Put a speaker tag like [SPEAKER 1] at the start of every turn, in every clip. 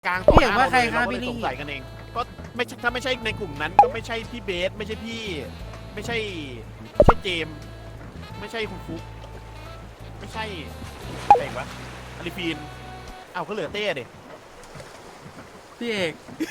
[SPEAKER 1] กลาง
[SPEAKER 2] พี่เห็นว่าใครครับพี่ลี่
[SPEAKER 1] สงสัยกันเองก็ไม่ใช่ถ้าไม่ใช่ในกลุ่มนั้นก็ไม่ใช่พี่เบสไม่ใช่พี่ไม่ใช่เจมส์ไม่ใช่คุณฟุ๊กไม่ใช่ใครวะอาริฟีนอ้าวก็เหลือเต้เด็
[SPEAKER 2] พี่เอก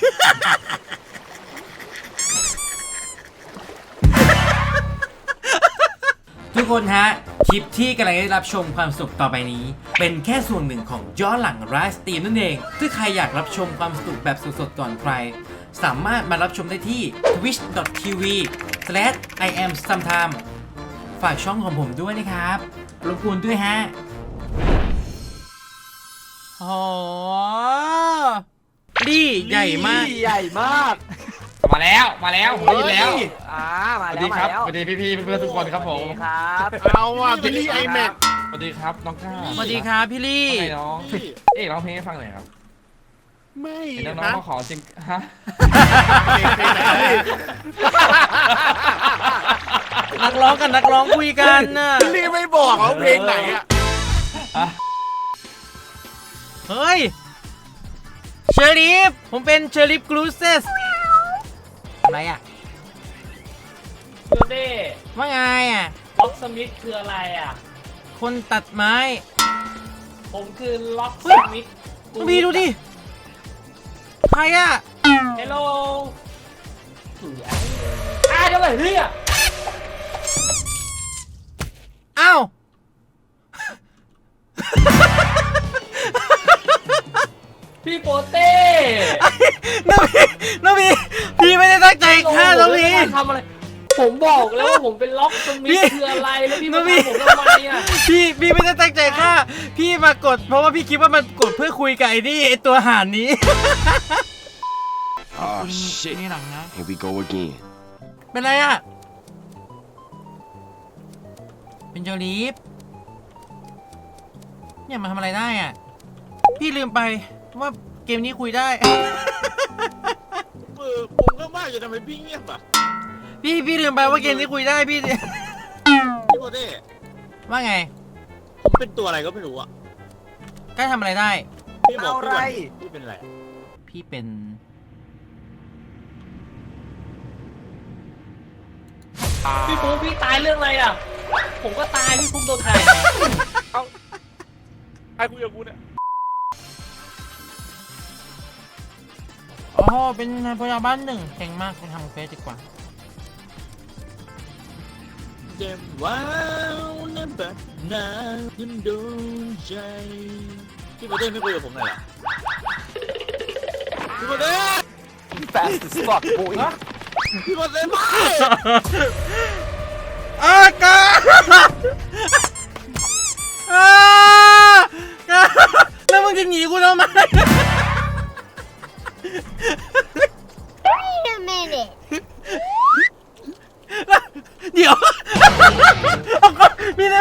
[SPEAKER 2] ทุกคนฮะคลิปที่กำลังได้รับชมความสุขต่อไปนี้เป็นแค่ส่วนหนึ่งของย้อนหลังไลฟ์สตรีมนั่นเองถ้าใครอยากรับชมความสนุกแบบสดๆก่อนใครสามารถมารับชมได้ที่ twitch.tv/iamsometime ฝากช่องของผมด้วยนะครับรบกวนด้วยฮะโอ้ลี่ใหญ่มาก
[SPEAKER 3] ใหญ่มาก
[SPEAKER 4] มาแล้วผมได้ยินแล้ว
[SPEAKER 3] มา
[SPEAKER 4] สวัส
[SPEAKER 3] แล้ว
[SPEAKER 4] ดี
[SPEAKER 3] มา
[SPEAKER 4] ครับ
[SPEAKER 3] แล้ว
[SPEAKER 4] สวัสดีพี่เพื่อนทุกคนครับผม
[SPEAKER 3] ครับ
[SPEAKER 1] เอาว่ะพี่ลี่ไอแม็ก
[SPEAKER 4] สวัสดีครับน้องก้า
[SPEAKER 2] สวัสดีครับพี่ลี่
[SPEAKER 4] ทำไมน้องเอ๊ะร้องเพลงให้ฟังหน่อยครับ
[SPEAKER 1] ไม่
[SPEAKER 4] เห็นน้อง
[SPEAKER 1] นะ
[SPEAKER 4] ๆเขาขอจริงฮะ
[SPEAKER 1] เพลงไหน
[SPEAKER 2] นักร้องกับนักร้องคุยกันน่ะ
[SPEAKER 1] พี่ลี่ไม่บอกว่าเพลงไหนอ่ะ
[SPEAKER 2] เฮ้ยเชอริฟผมเป็นเชอริฟกรูเซสอะไรอ่ะ
[SPEAKER 5] คือเด้
[SPEAKER 2] ว่าไงอ่ะ
[SPEAKER 5] ล็อกสมิธคืออะไรอ่ะ
[SPEAKER 2] คนตัดไม้
[SPEAKER 5] ผมคือล็อกสมิธ
[SPEAKER 2] ดูดิดูดิใครอ่ะ
[SPEAKER 5] เฮลโลคืออะไรเดี๋ยวไปเฮ้ย
[SPEAKER 2] อ้าว
[SPEAKER 5] พี่โปเต้
[SPEAKER 2] น้องพีพี่ไม่ได้ตั้งใจฆ่าน้องพี
[SPEAKER 5] ทำอะไร ผมบอกแล้วว่าผมเป็นล็อกสมิ
[SPEAKER 2] พี่
[SPEAKER 5] ธคืออะไรแล้วพี่
[SPEAKER 2] น้
[SPEAKER 5] มา
[SPEAKER 2] องพี่
[SPEAKER 5] ทำผมทำไมอ่ะ
[SPEAKER 2] พี่ไม่ได้ตั้งใจฆ่าพี่มากดเพราะว่าพี่คิดว่ามันกดเพื่อคุยกับไอ้นี่ไอ้ตัวห่านนี้
[SPEAKER 6] Oh shit.
[SPEAKER 2] นี่หลังนะ
[SPEAKER 6] Here we go again.
[SPEAKER 2] เป็นไรอ่ะเป็นเจอรีฟเนี่ยมาทำอะไรได้อ่ะพี่ลืมไปว่าเกมนี้คุยได้
[SPEAKER 1] ผมก็ว่าจะทำไมพี่เงียบอ่ะ
[SPEAKER 2] พี่ลืมไปว่าเกมนี้คุยได้พี่
[SPEAKER 1] พี่โบเต้
[SPEAKER 2] ว่าไง
[SPEAKER 1] ผมเป็นตัวอะไรก็ไม่รู้อ่ะ
[SPEAKER 2] ใกล้ทำอะไรได้
[SPEAKER 1] พี่บอก
[SPEAKER 3] เอาอะไร
[SPEAKER 1] พี่เป็นอะไร
[SPEAKER 2] พี่เป็น
[SPEAKER 5] พี่ปุ๊กพี่ตายเรื่องอะไรอ่ะ ผมก็ตายพี่ปุ๊กโดนใคร
[SPEAKER 1] ใครคุยกับกูเนี่ย
[SPEAKER 2] อ๋อเป็นพยาบาลหนึ่งเก่งมากไปทำเฟซดีกว่า
[SPEAKER 1] เจ็บว้าวนั่นแบบน้ำขึ้นดวงใจพี่โบเต้ไม่คุยกับผมหน่อยเหรอพี่โบเต้
[SPEAKER 3] fast as fuck boy
[SPEAKER 1] พี่โบเต้ไม่
[SPEAKER 2] อากาแล้วมึงจะหนีกูทำไม
[SPEAKER 7] Wait a minute.
[SPEAKER 2] เดี๋ยวพี่นะ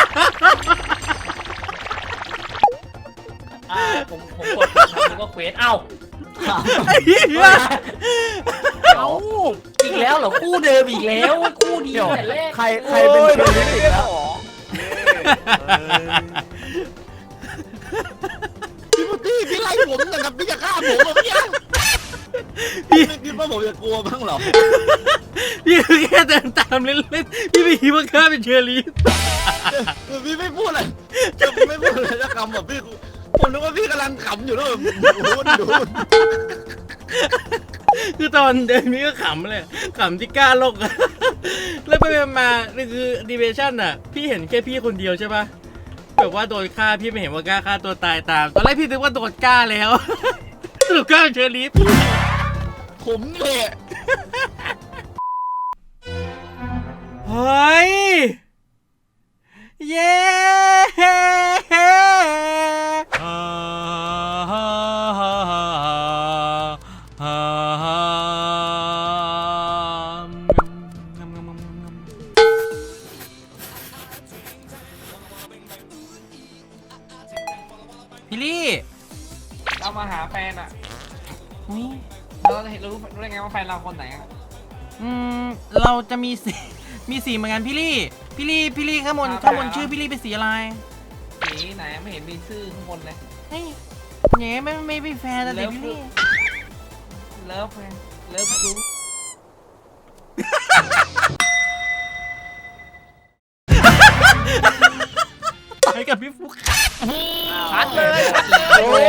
[SPEAKER 5] ผมกดทำก็เควสเอ้า
[SPEAKER 2] ไอ้เหี้ย
[SPEAKER 5] เอ้าอีกแล้วเหรอคู่เดิมอีกแล้วคู่ดีแต่แรก
[SPEAKER 3] ใครเป็นเชอร์ลิฟอีกแล้ว
[SPEAKER 1] พี่โบเต้พี่ไล่ผมแต่กับพี่จะฆ่าผมเหรอพี่พี่ไม่คิดว่าผมจะกลัวบ้างเหรอ
[SPEAKER 2] พี่แค่เดินตามเล่นๆพี่ไม่คิดว่าข้าเป็นเชอรี่
[SPEAKER 1] พี่ไม่พูดอะไรพี่ไม่พูดอะไรจะคำแบบพี่ผมนึกว่าพี่กำลังขำอยู่แล้วแบบดู
[SPEAKER 2] คือตอนเดินพี่ก็ขำเลยขำที่กล้าโลกอะแล้วไปมาคือดีเวชั่นอะพี่เห็นแค่พี่คนเดียวใช่ปะแบบว่าโดนฆ่าพี่ไม่เห็นว่ากล้าฆ่าตัวตายตามตอนแรกพี่นึกว่าโดนกล้าแล้วสรุปกล้าเป็นเชอรี่
[SPEAKER 1] ผมเนี่ย
[SPEAKER 2] เฮ้ย เย้พี่ลี่
[SPEAKER 4] เรามาหาแฟนอ่ะ
[SPEAKER 2] อุ๊ย
[SPEAKER 4] เราจะเห็นรู้ได้ไงว่าแฟนเราคนไหนอ่ะ
[SPEAKER 2] เราจะมีสีมีสีเหมือนกันพี่ลี่ข้างบนชื่อพี่ลี่เป็นสีอะไร
[SPEAKER 4] สีไหนไม่เห็นมีชื่อข้างบนเลย
[SPEAKER 2] เฮ้ยเงี้ยไม่มีแฟนอะไรพี่
[SPEAKER 4] เลิฟไงเลิฟซู
[SPEAKER 2] ต่อยกับพี่ฟุก
[SPEAKER 1] ชัดเลย
[SPEAKER 3] โอ้ย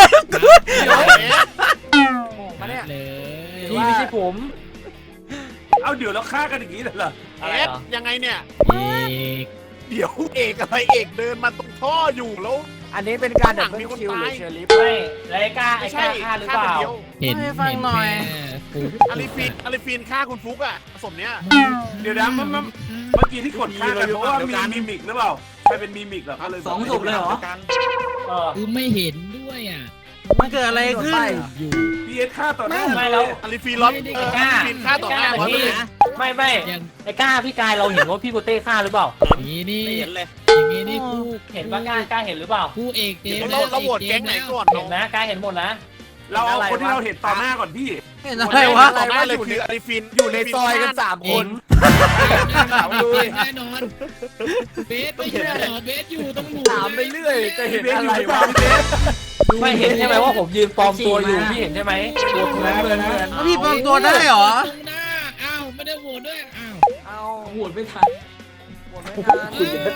[SPEAKER 1] มาเนี่ย
[SPEAKER 5] พี่ไม่ใช่ผม
[SPEAKER 6] เอาเดี๋ยวเราฆ่ากันอย่างนี้เลยเหรอ
[SPEAKER 5] อะไร
[SPEAKER 1] เอฟ
[SPEAKER 5] เหรอ
[SPEAKER 1] ยังไงเนี่ย
[SPEAKER 7] เอก
[SPEAKER 1] เดี๋ยวเอกอะไรเอกเดินมาตรงท่ออยู่แล้ว
[SPEAKER 3] อันนี้เป็นการดับ
[SPEAKER 1] หนังมี
[SPEAKER 3] เบิล
[SPEAKER 1] คน
[SPEAKER 3] คิวหรือ
[SPEAKER 1] ตาย
[SPEAKER 3] เชอร์ลิฟ
[SPEAKER 5] ไม่แล้วไอ้กล้า
[SPEAKER 1] ไม่ใช่
[SPEAKER 5] ฆ่าหรือ
[SPEAKER 1] ฆ่า
[SPEAKER 5] เป
[SPEAKER 1] คน
[SPEAKER 5] ล่า
[SPEAKER 1] เดียว
[SPEAKER 7] เห็น
[SPEAKER 2] ให้ฟังหน่อย
[SPEAKER 7] ฟุก
[SPEAKER 1] อลิฟีนฆ่าคุณฟุกอะผสมเนี้ย
[SPEAKER 6] เดี๋ยวนะเมื่อกี้ที่กดฆ่ากันเพราะว่ามีมิมิกหรือเปล่าใครเป็นมิมิกเหรอก็เลย
[SPEAKER 3] 2 ศพเลยเหรอ
[SPEAKER 5] เออ
[SPEAKER 7] คือไม่เห็นด้วยอ่ะ
[SPEAKER 2] มันเกิดอะไรขึ้น
[SPEAKER 7] อยู่
[SPEAKER 6] พีเอสฆ่าต่อหน้า
[SPEAKER 5] ไม่แล้ว
[SPEAKER 1] อลิฟีนล็อต
[SPEAKER 7] ไม่ได้
[SPEAKER 1] อลิฟีนฆ่าต่อหน้า
[SPEAKER 5] ไอ้
[SPEAKER 1] หมด
[SPEAKER 5] กล้า
[SPEAKER 1] เลย
[SPEAKER 5] ไม่
[SPEAKER 7] ยัง
[SPEAKER 5] ไอ้กล้าพี่กายเราเห็นว่าพี่โกเต้ฆ่าหรือเปล่า
[SPEAKER 7] นี่นี่
[SPEAKER 1] ไม่เห็นเลย
[SPEAKER 7] อย่างงี้นี่คู่
[SPEAKER 5] เห็นว่ากล้าเห็นหรือเปล่า
[SPEAKER 7] คู่เอกเจมส์
[SPEAKER 1] เราโหวตแก๊งไหนก่อน
[SPEAKER 5] เห็นนะกล้าเห็นหมดนะ
[SPEAKER 6] เราเอาคนที่เราเห็นต่อหน้าก่อนพี่
[SPEAKER 2] เห็นอะไรวะ
[SPEAKER 1] ต่อหน้าเลยคืออลิฟีน
[SPEAKER 3] อยู่ในซอยกัน3 คน
[SPEAKER 7] แน่นอนเบสไม่ใช่หรอเบสอยู่ตรงหนู
[SPEAKER 3] ถามไปเรื่อยจะเห็น
[SPEAKER 6] เบส
[SPEAKER 3] อะ
[SPEAKER 6] อยู่
[SPEAKER 3] ไร
[SPEAKER 6] หรือเป
[SPEAKER 3] วะ
[SPEAKER 6] ล่าพี่เบส
[SPEAKER 5] ไม่เห็นใช่ไหมว่าผมยืนปลอมตัวอยู่พี่เห็นใช่ไหม
[SPEAKER 3] ตัวเหมือน
[SPEAKER 2] แล้วพี่ปลอมตัวได้เหรอ
[SPEAKER 7] ตรงหน้าอ้าวไม่ได้โหวตด้วยอ้าว
[SPEAKER 3] เอา
[SPEAKER 5] โหวตไม่ทัน
[SPEAKER 3] หมดไม่ทัน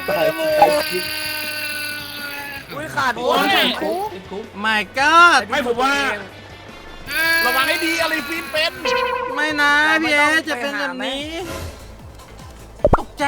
[SPEAKER 3] อุ้ยขาด
[SPEAKER 1] โอ้
[SPEAKER 3] โอ้
[SPEAKER 1] ย
[SPEAKER 3] ย
[SPEAKER 5] ติดคุก
[SPEAKER 2] my god
[SPEAKER 6] ไม่ผมว่า
[SPEAKER 1] ระวังให้ดีอลิฟีนเป็น
[SPEAKER 2] ไม่นะพี่เอจะเป็นแบบนี้ ตกใจ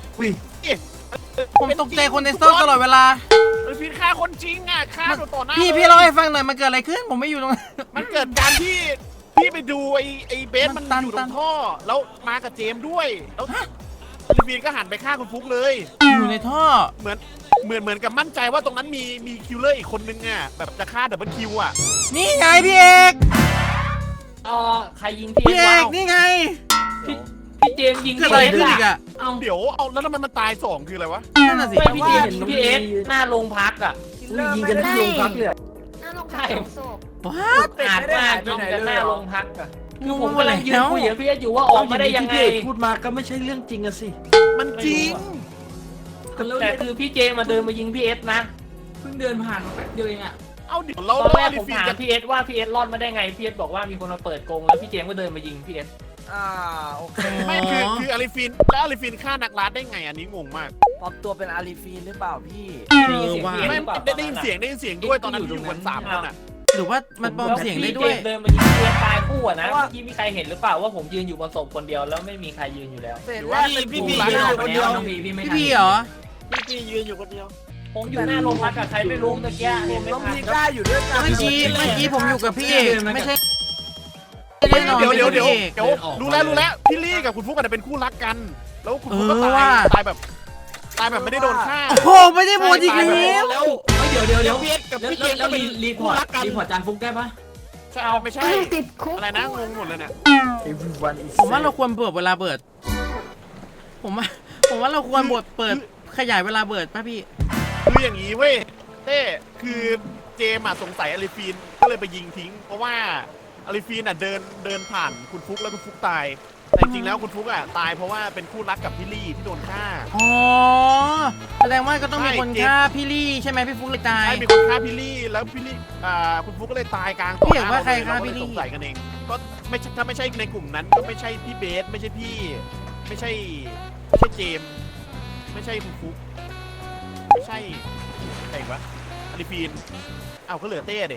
[SPEAKER 2] ผมตกใจคนในโซ่ตลอดเวลา
[SPEAKER 1] อลิฟีนฆ่าคนจริงอะฆ่าต่อหน้า
[SPEAKER 2] พี่
[SPEAKER 1] ลย
[SPEAKER 2] พี่เล่าให้ฟังหน่อยมันเกิดอะไรขึ้น ผมไม่อยู่ตรงนั้น
[SPEAKER 1] มันเกิดการที่พี่ไปดูไอ้เบส
[SPEAKER 2] มั
[SPEAKER 1] มัน
[SPEAKER 2] นตัน
[SPEAKER 1] อยู่ตรงท่อ แล้วมากับเจมส์ด้วยแล้วอลิฟีนก็หันไปฆ่าคุณฟุกเลย
[SPEAKER 2] อยู่ในท่อ
[SPEAKER 1] เหมือนกับมั่นใจว่าตรงนั้นมีคิลเลอร์อีกคนนึงอ่ะแบบจะฆ่าดับเบิลคิวอ่ะ
[SPEAKER 2] นี่ไงพี่เอก
[SPEAKER 5] ใครยิงพี่
[SPEAKER 2] พี่เอ
[SPEAKER 5] วะ
[SPEAKER 2] กนี่ไง
[SPEAKER 5] พี่เจมส์ยิง
[SPEAKER 2] เกิดอะไรขึ้นอีกอะ
[SPEAKER 5] เอา
[SPEAKER 1] เดี๋ยวเอาแล้วทำไมมันตายสองคืออะไรวะ
[SPEAKER 2] นั่นน่ะสิ
[SPEAKER 5] ไม่พี่เจมส์ยิงพี่เอสหน้าโรงพักอ่ะ
[SPEAKER 3] ยิงกันที่โรงพักเลย
[SPEAKER 8] น่าลงพักสองศพ
[SPEAKER 2] ว้า
[SPEAKER 5] อาจมากยิงกันหน้าโรงพักอ่ะคือผมกำลังยืนคุยกับพี่เอสอยู่ว่าออกมาได้ยังไง
[SPEAKER 3] พูดมาก็ไม่ใช่เรื่องจริงอะสิ
[SPEAKER 1] มันจริง
[SPEAKER 5] แต่คือพี่เจมาเดินมายิงพี่เอสนะ
[SPEAKER 3] เพิ่งเดินผ่านมาแป๊บเดียวเองอะ
[SPEAKER 1] เอาเดี๋ยวเรา
[SPEAKER 5] ตอนแรก
[SPEAKER 1] อลิ
[SPEAKER 5] ผม
[SPEAKER 1] ฟีน
[SPEAKER 5] ถาม
[SPEAKER 1] จะ
[SPEAKER 5] พี่เอสว่าพี่เอสรอดมาได้ไงพี่เอสบอกว่ามีคนมาเปิดกรงแล้วพี่เจมก็เดินมายิงพี่เอส
[SPEAKER 3] โอเค
[SPEAKER 1] ไม่คืออลิฟีนแล้วอลิฟีนฆ่านักล่าได้ไงอันนี้งงมาก
[SPEAKER 3] ปลอมตัวเป็นอาลีฟีนหรือเปล่าพี่
[SPEAKER 5] ได้ยินเสียงพี่เอส
[SPEAKER 1] ไม่
[SPEAKER 5] หรือเปล่า
[SPEAKER 1] ได้ยินเสียงด้วยตอนนั้นที่อยู่กัน3 คนอ่ะ
[SPEAKER 2] หรือว่ามันปลอมเสียงได้
[SPEAKER 5] พี่
[SPEAKER 2] ด้วย
[SPEAKER 5] เจมเดินมายิงพี่เอสตายคู่อะนะเมื่อกี้มีใครเห็นหรือเปล่าว่าผมยืนอยู่บนศพคนเดียวแล้วไม่มีใครยืนอยู่แล้ว
[SPEAKER 3] เสร็จ
[SPEAKER 1] หรือ
[SPEAKER 3] แล้
[SPEAKER 1] ว่า
[SPEAKER 3] วเป็น
[SPEAKER 1] พี่
[SPEAKER 3] ผู้
[SPEAKER 1] พี่
[SPEAKER 3] ร้าย
[SPEAKER 1] ยืน
[SPEAKER 3] อยู่คนเดียว
[SPEAKER 2] พี่พี่เหรอ
[SPEAKER 1] พี่ยืนอยู่คนเดียว
[SPEAKER 5] ผมอยู่หน้าโรงพักกับใครไม่รู้ตะเกียเห็นไหม
[SPEAKER 3] ต้อง
[SPEAKER 5] ครับ
[SPEAKER 3] มีกล้าอยู่ด้วยกัน
[SPEAKER 2] เมื่อกี้ผมอยู่กับพี่เอกไม่ใช่แน่นอน
[SPEAKER 1] เดี๋ยว
[SPEAKER 2] ไม่ใช่พี่เอก
[SPEAKER 1] รู้แล้วพี่ลี่กับคุณฟุกอาจจะเป็นคู่รักกัน แล้วคุณฟุกก็
[SPEAKER 2] เออว่ะ
[SPEAKER 1] ตายแบบไม่ได้โดนฆ่า
[SPEAKER 2] โอ้โหไม่ได้โหวตอีกแล้ว
[SPEAKER 3] แล้วเดี๋ยว
[SPEAKER 1] พี่เอ็กกับพี่เจมส์ก็เป็นคู่รักกัน
[SPEAKER 3] รีพอร์ตจานฟุกได้ปะ
[SPEAKER 1] ใช่เอาไม่ใช่
[SPEAKER 8] ติดคุก
[SPEAKER 1] อะไรนะงงหมดเลยเนี่ย
[SPEAKER 3] Everyone is
[SPEAKER 2] ผมว่าเราควรเปิดเวลาเปิด ผมว่าเราควรเปิดขยายเวลาเปิดป่ะพี่
[SPEAKER 1] คืออย่างนี้เว้ยเต้คือเจมส์อะสงสัยอลิฟีนก็เลยไปยิงทิ้ง เพราะว่าอลิฟีนอะเดินผ่านคุณฟุกแล้วคุณฟุกตาย แต่จริงๆแล้วคุณฟุกอะตายเพราะว่าเป็นคู่รักกับพี่ลี่ที่โดนฆ่า
[SPEAKER 2] อ๋อแสดงว่าก็ต้องมีคนฆ่าพี่ลี่ใช่ไหมพี่ฟุกเลยตาย
[SPEAKER 1] ใช่มีคนฆ่าพี่ลี่แล้วพี่ลี่คุณฟุกก็เลยตายกลาง
[SPEAKER 2] พี่เห็นว่าใครฆ่าพี่ลี่
[SPEAKER 1] เรก็เลยสงสัยกันเองก็ไม่ใช่ถ้าไม่ใช่ในกลุ่มนั้นก็ไม่ใช่พี่เบสไม่ใช่พี่ไม่ใช่เจมส์ไม่ใช่คุณฟุกไม่ใช่ใครอีกวะอลิฟีนเอาก็เหลือเต้เด็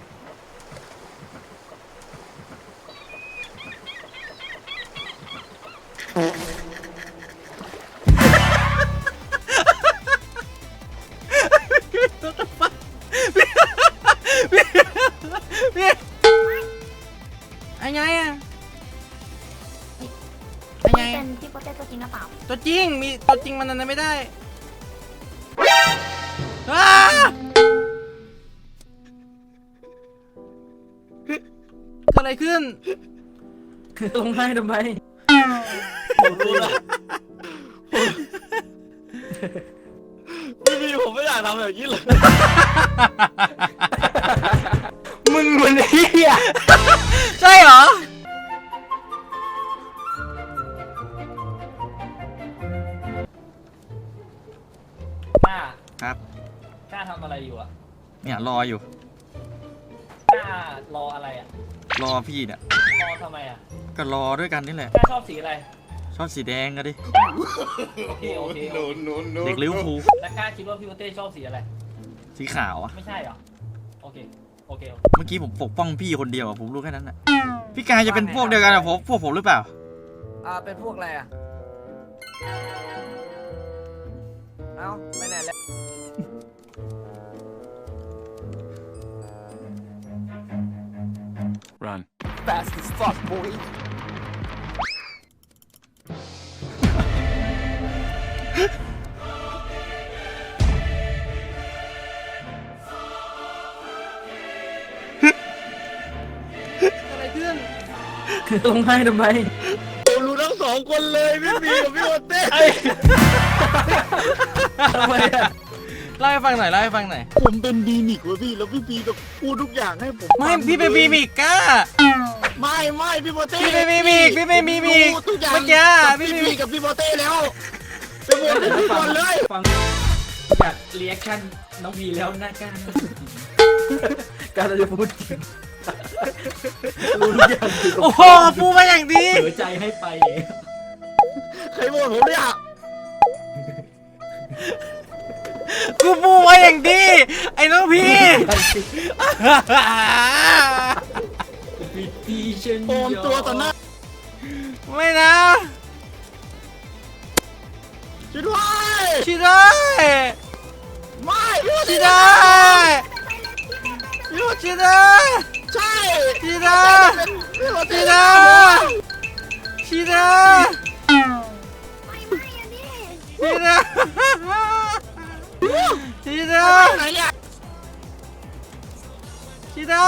[SPEAKER 2] พี่ไงอะไง
[SPEAKER 8] เป็นพี่โปเต้ตัวจริงหรือเปล่า
[SPEAKER 2] ตัวจริงมีตัวจริงมันนั้นไม่ได้อ้าเกิดอะไรขึ้น
[SPEAKER 3] ลงให้ทำไม
[SPEAKER 1] พี่ผมไม่อยากทำแบบนี้เลย
[SPEAKER 3] มึงมันเฮีย
[SPEAKER 2] ใช่เหรอ
[SPEAKER 5] กล้า
[SPEAKER 9] ครับ
[SPEAKER 5] กล้าทำอะไรอยู่อ่ะ
[SPEAKER 9] เนี่ยรออยู่
[SPEAKER 5] รออะไรอ่ะ
[SPEAKER 9] รอพี่เนี่ย
[SPEAKER 5] รอทำไมอ่ะ
[SPEAKER 9] ก็รอด้วยกันนี่แหละ
[SPEAKER 5] กล้าชอบสีอะไร
[SPEAKER 9] ชอบสีแดงก็ดิ
[SPEAKER 5] โอเคโอเค
[SPEAKER 9] เด็กลิเวอร์พูล
[SPEAKER 5] แล้วกล้าคิดว่าพี่โปเต้ชอบสีอะไร
[SPEAKER 9] สีขาวอะ
[SPEAKER 5] ไม่ใช่เหรอโอเคโอเค
[SPEAKER 9] เมื่อกี้ผมปกป้องพี่คนเดียวอะผมรู้แค่นั้นอะพี่กายจะเป็นพวกเดียวกันกับพวกผมหรือเปล่า
[SPEAKER 3] เป็นพวกอะไรอ่ะ เอ้าไปไหนแล้ว
[SPEAKER 6] run
[SPEAKER 1] fast as fuck boy
[SPEAKER 3] ลงให้ทำไม
[SPEAKER 1] ผมรู้ทั้งสองคนเลยพี่บีกับพี่โอเต้
[SPEAKER 3] ทำไมอ่ะ
[SPEAKER 2] เล่าให้ฟังหน่อยเล่าให้ฟังหน่อย
[SPEAKER 1] ผมเป็นบีมิกเว้ยพี่แล้วพี่บีกับพูดทุกอย่างให้ผม
[SPEAKER 2] ไม่พี่เป็นบีมิกก้า
[SPEAKER 1] ไม่พี่โอเต้
[SPEAKER 2] พี่เป็นบีมิกพี่เป็นบีมิก
[SPEAKER 1] รู้ทุกอย่าง
[SPEAKER 2] เมื่อกี้
[SPEAKER 1] กับ
[SPEAKER 2] พี่
[SPEAKER 1] พี่
[SPEAKER 2] บี
[SPEAKER 1] บีกับพี่โอเต้แล้วเป็นโมเต้ทุกคนเลย
[SPEAKER 3] ฟัง
[SPEAKER 5] อยากเรียกชั่นน้องพีแล้วน่ากล้า
[SPEAKER 3] การจะพูดจริงรู้ทุกอย่างคือ
[SPEAKER 2] โอ้โหปูมาอย่างดี
[SPEAKER 5] เผลอใจให้ไป
[SPEAKER 1] ใครบอกผมเนี่ย
[SPEAKER 2] กูปูมาอย่างดี ไอ้น้องพี่
[SPEAKER 5] พิธีเช่น
[SPEAKER 1] โอมตัวต่อหน้า
[SPEAKER 2] ไม่นะ
[SPEAKER 1] ช่วยด้วย
[SPEAKER 2] ชิได้
[SPEAKER 1] ไม่พี่โอ
[SPEAKER 2] ชิ
[SPEAKER 1] เต้
[SPEAKER 2] ได้
[SPEAKER 1] พี่โอเต้
[SPEAKER 2] ชิได้
[SPEAKER 1] ใช่
[SPEAKER 2] ชิได้
[SPEAKER 1] พี่โอเต้
[SPEAKER 2] ชิได้ชิได้
[SPEAKER 8] ไม่อันนี้
[SPEAKER 2] ชิได้ชิได้
[SPEAKER 1] ไหนเนี่ย
[SPEAKER 2] ชิได้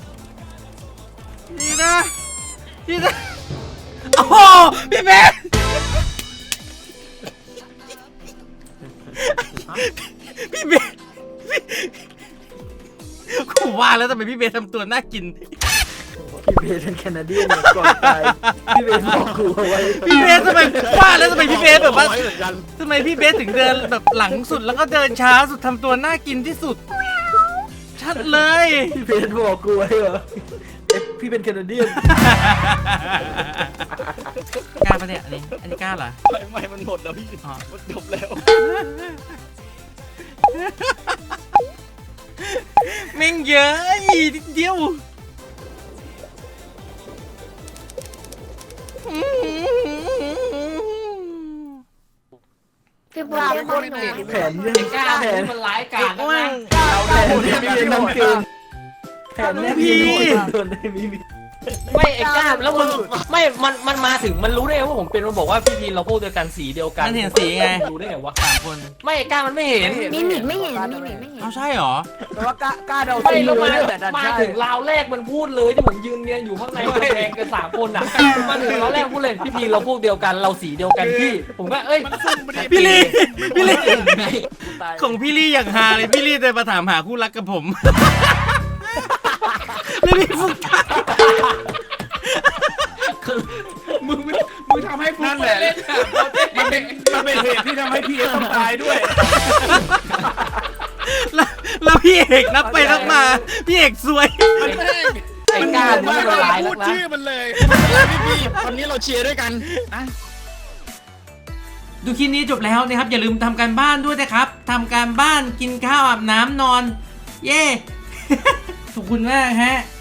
[SPEAKER 2] ชิได้ชิได้โอ้โหพี่เบสพี่เบสกูว่าแล้วทำไมพี่เบสทำตัวน่ากิน
[SPEAKER 3] พี่เบสเป็นแคนาเดียนเนี่ยก่อนตายพี่เบสบอกกูเอาไว้
[SPEAKER 2] พี่เบสทำไมว่าแล้วทำไมพี่เบสแบบว่า
[SPEAKER 1] ไเหมือนกัน
[SPEAKER 2] ทำไมพี่เบสถึงเดินแบบหลังสุดแล้วก็เดินช้าสุดทำตัวน่ากินที่สุด ชัดเลย
[SPEAKER 3] พี่เบสบอกกูไว้เหรอพี่เป็นแคนาเดียน
[SPEAKER 2] กล้าปะเนี่ยอันนี้กล้าเหรอ
[SPEAKER 1] ไม่มันหมดแล้วพี่
[SPEAKER 2] อ๋อ
[SPEAKER 1] มันจบแล้ว
[SPEAKER 2] แม่งเยอะอีกนิดเดียว
[SPEAKER 8] พี่บัวเต้บอกหนู
[SPEAKER 3] แผนเนี่ย
[SPEAKER 5] ไอ้กล้า
[SPEAKER 3] แผน
[SPEAKER 5] มันร้ายกาจ
[SPEAKER 2] แม่
[SPEAKER 5] นะ
[SPEAKER 2] ง
[SPEAKER 3] แผนเนี่ยพี่น้ำเกินแผนเนี่ยพี่โดนได้มี
[SPEAKER 5] ไม่ไอ้กล้าแล้วมันไม่มันมาถึงมันรู้ได้ไงว่าผมเป็นมันบอกว่าพี่พีเราพวกเดียวกันสีเดียวกัน
[SPEAKER 2] มันเห็นสีไง
[SPEAKER 5] รู้ได้ไงวะ
[SPEAKER 2] 3 คน
[SPEAKER 5] ไม่ไอ้กล้ามันไม่เห็น
[SPEAKER 8] มิมิกไม่เห็นมิมิกไม่เห็น
[SPEAKER 2] เอาใช่เหรอ
[SPEAKER 3] แต่ว่ากล้าเดา
[SPEAKER 5] ไม่แล้ว
[SPEAKER 3] เล
[SPEAKER 5] มาย
[SPEAKER 3] แต่ดัน
[SPEAKER 5] มา
[SPEAKER 3] ได้
[SPEAKER 5] ถึงราวแรกมันพูดเลยที่ผมยืนเรียนอยู่ข้างในมันแดงกัน3 คนอ่ะมาถึงราวแรกพูดเลยพี่พีเราพวกเดียวกันเราสีเดียวกันพี่ผมก็เอ้ย
[SPEAKER 1] มันซุ่มไม่ได้
[SPEAKER 2] พี่ลี่พี่ลี่
[SPEAKER 5] ไง
[SPEAKER 2] ของพี่ลี่อย่างฮาเลยพี่ลี่เดินมาถามหาคู่รักกับผม แล้วพี่ฟุก
[SPEAKER 6] มึงทำให้นั่นแหละมันเป็นเหตุที่ทำให้พี่เอสต้องตายด้วย
[SPEAKER 2] แล้วพี่เอกนับไปนับมา พี่เอกซวย
[SPEAKER 5] ไอ้กล้ามันละลาย
[SPEAKER 1] พู
[SPEAKER 5] แล้วนะ
[SPEAKER 1] ดชื่อมันเลยพี่วันนี้เราเชียร์ด้วยกันนะ
[SPEAKER 2] ดูคลิปนี้จบแล้วนะครับ อย่าลืมทำการบ้านด้วยนะครับทำการบ้านกินข้าวอาบน้ำนอน เย้ ขอบคุณมากฮะ